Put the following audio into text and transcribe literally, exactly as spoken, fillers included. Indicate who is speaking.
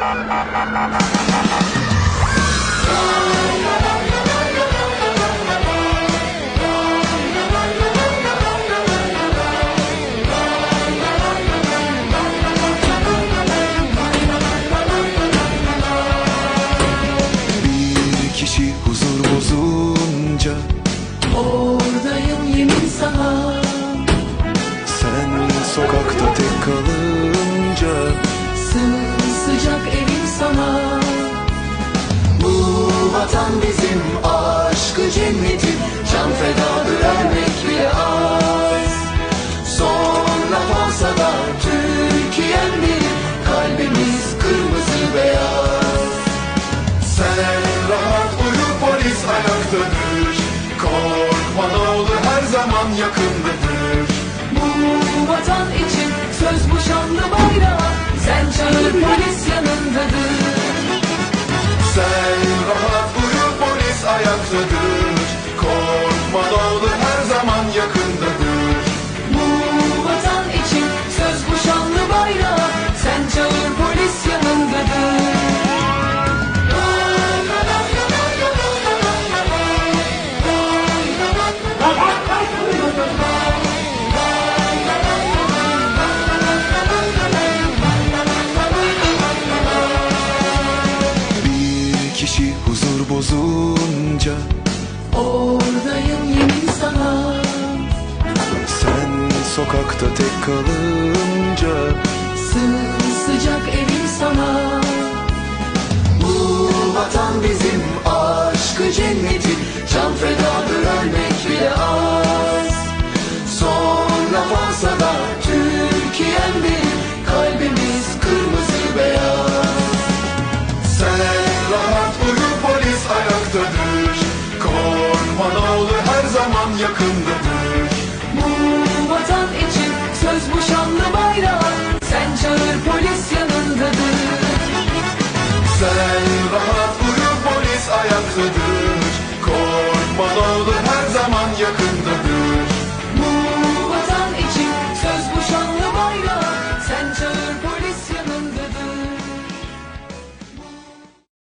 Speaker 1: Bir kişi huzur bozunca
Speaker 2: oradayım yemin sana.
Speaker 1: sen sokakta tek kalınca
Speaker 2: Sımsıcak evim sana.
Speaker 3: Bu vatan bizim aşkı cennetim, can fedadır ölmek bile az. Sonra olsa da Türkiye'm benim, kalbimiz kırmızı beyaz. Sen rahat uyu, polis ayaktadır, korkma ne olur her zaman yakındadır.
Speaker 2: Bu vatan için söz bu şanlı bayrağa, sen çağır polis yanındadır.
Speaker 3: Sen rahat uyu, polis ayaktadır, korkma ne olur her zaman yakındadır.
Speaker 2: Bu vatan için söz bu şanlı bayrağa, sen çağır polis yanındadır.
Speaker 1: bir kişi huzur bozunca
Speaker 2: Oradayım yemin sana.
Speaker 1: sen sokakta tek kalınca
Speaker 2: Sımsıcak evim sana.
Speaker 3: Bu vatan bizim aşkı cennetim, can fedadır ölmek bile az. Sonra olsa da Türkiye'm benim, kalbimiz kırmızı beyaz. Sen rahat uyu, polis ayaktadır, korkma ne olur her zaman yakındadır.
Speaker 2: Bu vatan için söz bu şanlı bayrağa, sen çağır polis yanındadır.
Speaker 3: Sen rahat uyu, polis ayaktadır,